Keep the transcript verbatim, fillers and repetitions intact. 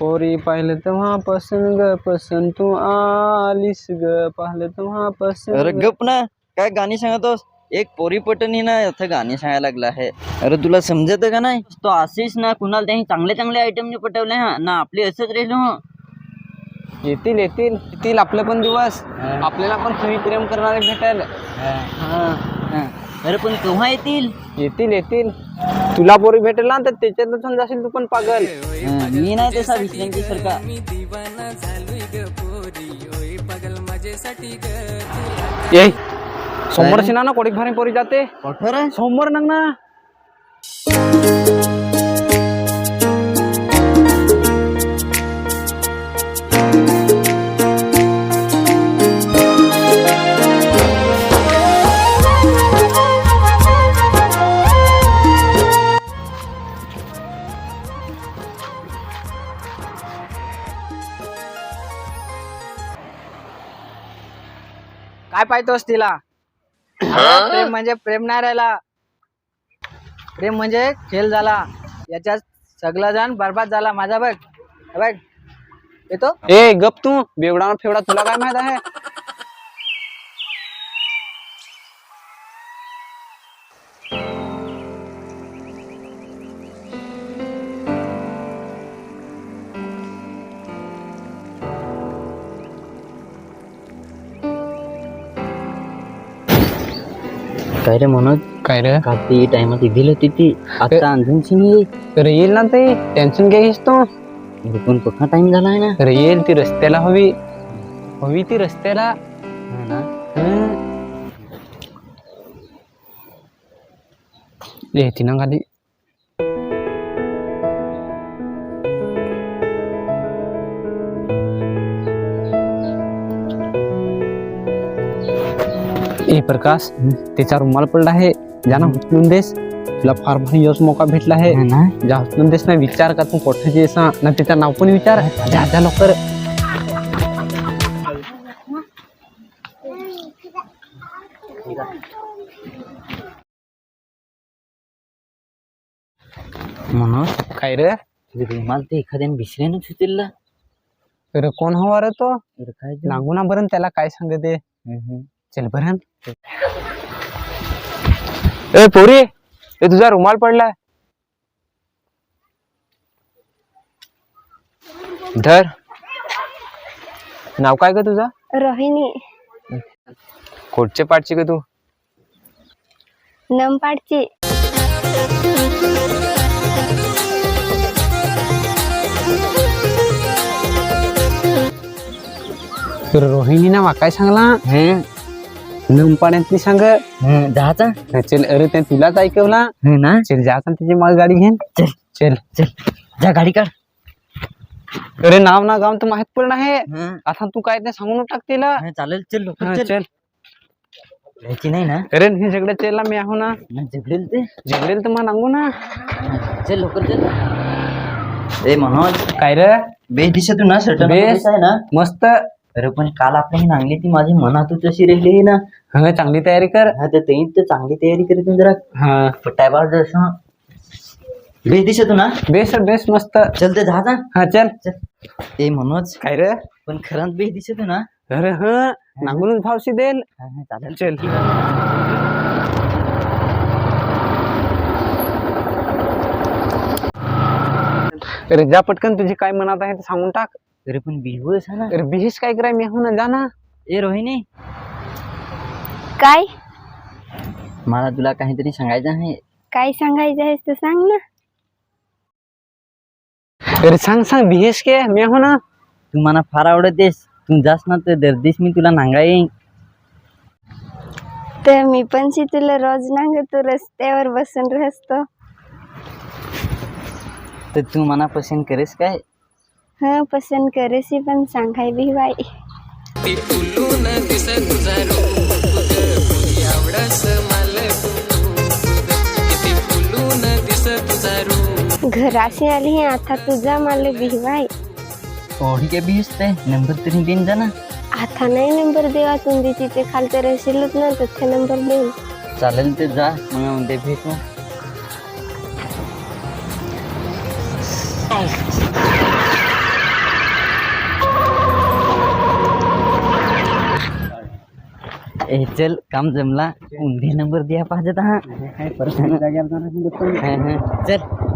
पोरी पाहिलं तेव्हा पसंत ग पसंत तू आलीस ग पाहिलं तेव्हा पसंत. अरे गप ना, काय गाणी सांगतोस? एक पोरी पटनी ना इथं गाणी सांगायला लागला आहे. अरे तुला समजत का नाही? तो आशिष ना कुणाला त्यांनी चांगले चांगले आयटम ने पटवले हा ना, आपले असंच राहिलो. येतील येतील येतील आपले पण दिवस, आपल्याला पण तुम्ही प्रेम करणारे भेटेल. अरे पण केव्हा येतील? येतील येतील तुला पोरी भेटेल ना तर त्याच्यातून जाशील तू पण पागल. मी नाही तसा विश्रांती सारखा. ये सोमवार शिना ना कोडी भारी पोरी जाते कुठं सोमवार नंग ना. काय पाहतोस तिला? प्रेम म्हणजे प्रेम नाही राहिला, प्रेम म्हणजे खेळ झाला. याच्यात सगळा जण बरबाद झाला. माझा बघ बघ येतो. ए गप तू बेवडा फेवडा, तुला काय माहित आहे? काय रे मनोज? काय रे? का ती टाइमात दिली होती ती, आता आणखीनची नाही. तर येईल ना ते, टेन्शन घे घेस तू. पण कुठला टाइम झाला आहे ना. तर येईल ती रस्त्याला हवी हवी ती रस्त्याला ना. येते ना खाली. ए प्रकाश, त्याचा रुमाल पडला आहे, जाना उचलून देस. तुला फार भारी योच मौका भेटला आहे ना, जा उचलून देस ना. विचार का तू कोठाची असा ना, त्याचं नाव पण विचार. जा जा लवकर. मनोज काय रे? रुमाल ते एखाद्याने विसरेनच होतील ना. अरे कोण हवा रे तो? अरे काय नागू ना बरं त्याला काय सांगते. चल बरं. ए पोरी, ए तुझा रुमाल पडलाय, धर. नाव काय ग तुझं? रोहिणी. कोटचे पाठची ग तू? नमपाडची. रोहिणी ना काय सांगला? नमपाड्यातली सांग जायचा. चल. अरे ते तुलाच ऐकवला ना. चल जायचा त्याची माग गाडी घेऊन. चल चल चल जा गाडी काढ. अरे नाव ना गाव तर माहित पण आहे. आता तू काय ते सांगून टाक तिला. चालेल चल लवकर चल. चल. यायची नाही ना. अरे हे सगळं चेला मी आहो ना. झगडेल ते झगडेल तर मग सांगू ना. चल लवकर चल. ए मनोज काय रे? बेस दिसत तू ना. सर्ट बेस आहे ना मस्त. अरे पण काल आपण नांगली ती माझी मनातच अशी राहिली ना. हा चांगली तयारी कर. हा तर ते तर चांगली तयारी करत जरा. हा पटायबार जसं बेस दिसत ना. बेस बेस मस्त. चल ते जा. हा चल. ए मनोज काय रे? पण खरंच बेस दिसत ना. अरे हा नांगूनच भावशी देल. चालेल चल. अरे जा पटकन, तुझी काय मनात आहे ते सांगून टाक. अरे पण बिहू आहे ना. अरे बिहेस काय कराय मी हो ना, जा ना. ए रोहिणी, काय मला तुला काहीतरी सांगायचं आहे. काय सांगायचं आहे तर सांग ना. अरे सांग सांग, बिहेस के मी हो ना. तू मला फार आवडतेस. तू जास ना तर दर्दीस मी तुला नांगा येईन. तर मी पण शी तुला रोज नांगतो, रस्त्यावर बसून राहतो. तर तू मना पसंत करेस काय? हा पसंत करेसी, पण सांगाय बी बाई. घराशी आली है आता तुझा मला भिवाय. ओढी के बीस नंबर तरी देन जा ना. आता नाही नंबर देवा, तुम्ही तिथे खालते रशीलच ना तिथे नंबर देऊन. चालेल ते जा, मग उद्या भेटू. ए चल काम जमला उंदे नंबर द्या पाहिजे हा काय परिस्थिती जाग्यावर जाणार नाही. हा, हा. चल